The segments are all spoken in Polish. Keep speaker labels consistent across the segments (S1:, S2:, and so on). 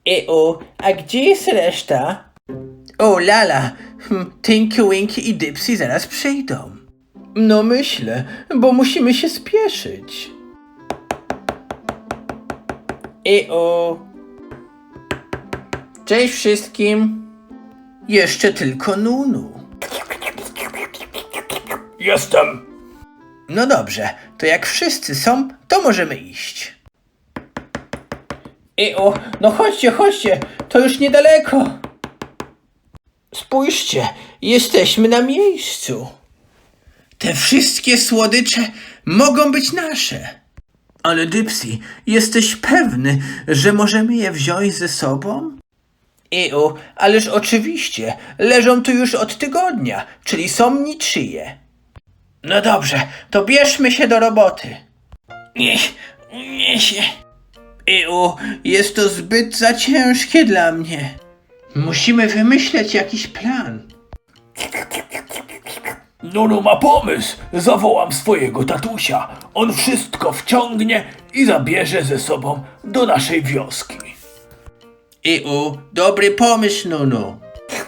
S1: A gdzie jest reszta? O lala, Tinky Winky i Dipsy zaraz przyjdą. No myślę, bo musimy się spieszyć. Cześć wszystkim. Jeszcze tylko Nunu.
S2: Jestem.
S1: No dobrze, to jak wszyscy są, to możemy iść. No chodźcie, to już niedaleko. Spójrzcie, jesteśmy na miejscu. Te wszystkie słodycze mogą być nasze. Ale Dipsy, jesteś pewny, że możemy je wziąć ze sobą? Ależ oczywiście, leżą tu już od tygodnia, czyli są niczyje. No dobrze, to bierzmy się do roboty. Nie się. Jest to zbyt za ciężkie dla mnie. Musimy wymyśleć jakiś plan.
S2: Nunu ma pomysł. Zawołam swojego tatusia. On wszystko wciągnie i zabierze ze sobą do naszej wioski.
S1: Dobry pomysł, Nunu.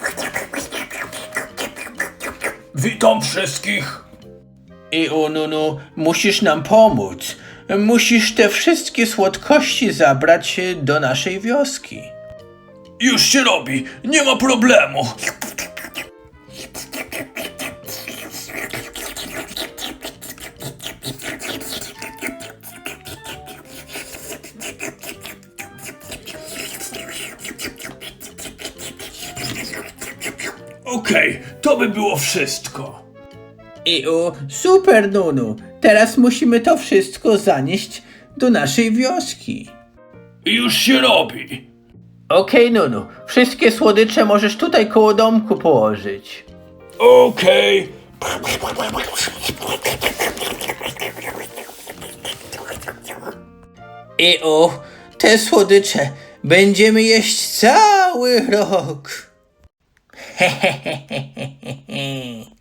S2: Witam wszystkich.
S1: Nunu, musisz nam pomóc. Musisz te wszystkie słodkości zabrać do naszej wioski.
S2: Już się robi. Nie ma problemu. Okej, to by było wszystko.
S1: Super, Nunu. Teraz musimy to wszystko zanieść do naszej wioski.
S2: Już się robi.
S1: Okej, Nunu. Wszystkie słodycze możesz tutaj koło domku położyć.
S2: Okej.
S1: Te słodycze będziemy jeść cały rok. Hehehehe.